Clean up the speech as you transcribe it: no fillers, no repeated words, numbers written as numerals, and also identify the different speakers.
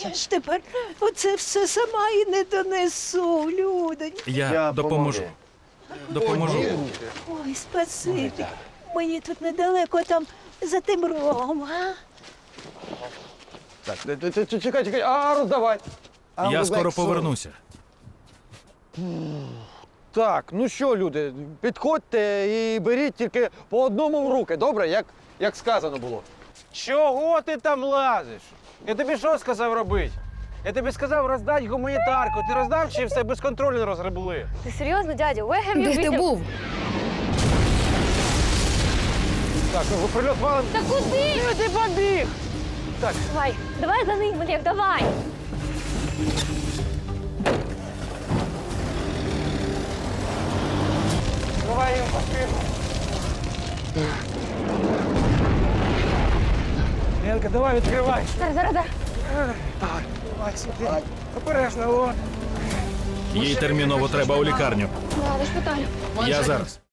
Speaker 1: Я ж тепер оце все сама і не донесу, людоньки.
Speaker 2: Я допоможу. Допоможу.
Speaker 1: Ой, спасибі. Мені тут недалеко, там за тим рогом, а?
Speaker 3: Так, чекай, а роздавай.
Speaker 2: Я скоро повернуся.
Speaker 3: Так, ну що, люди, підходьте і беріть тільки по одному в руки, добре? Як сказано було. Чого ти там лазиш? Я тобі що сказав робити? Я тобі сказав роздати гуманітарку. Ти роздав чи все безконтрольно розгребли?
Speaker 4: Ти серйозно, дядя? Where have you
Speaker 5: Де ти
Speaker 4: been?
Speaker 5: був?
Speaker 3: Так, ну прильот валим.
Speaker 4: Та куди?
Speaker 3: Ти побіг!
Speaker 4: Давай за ним, Олег, давай.
Speaker 3: Давай їм поспішно. Ленка, давай відкривай.
Speaker 4: Зараз.
Speaker 3: Давай сюди. Обережно, о.
Speaker 2: Їй терміново треба у лікарню.
Speaker 4: Ладно, шпиталю.
Speaker 2: Я зараз.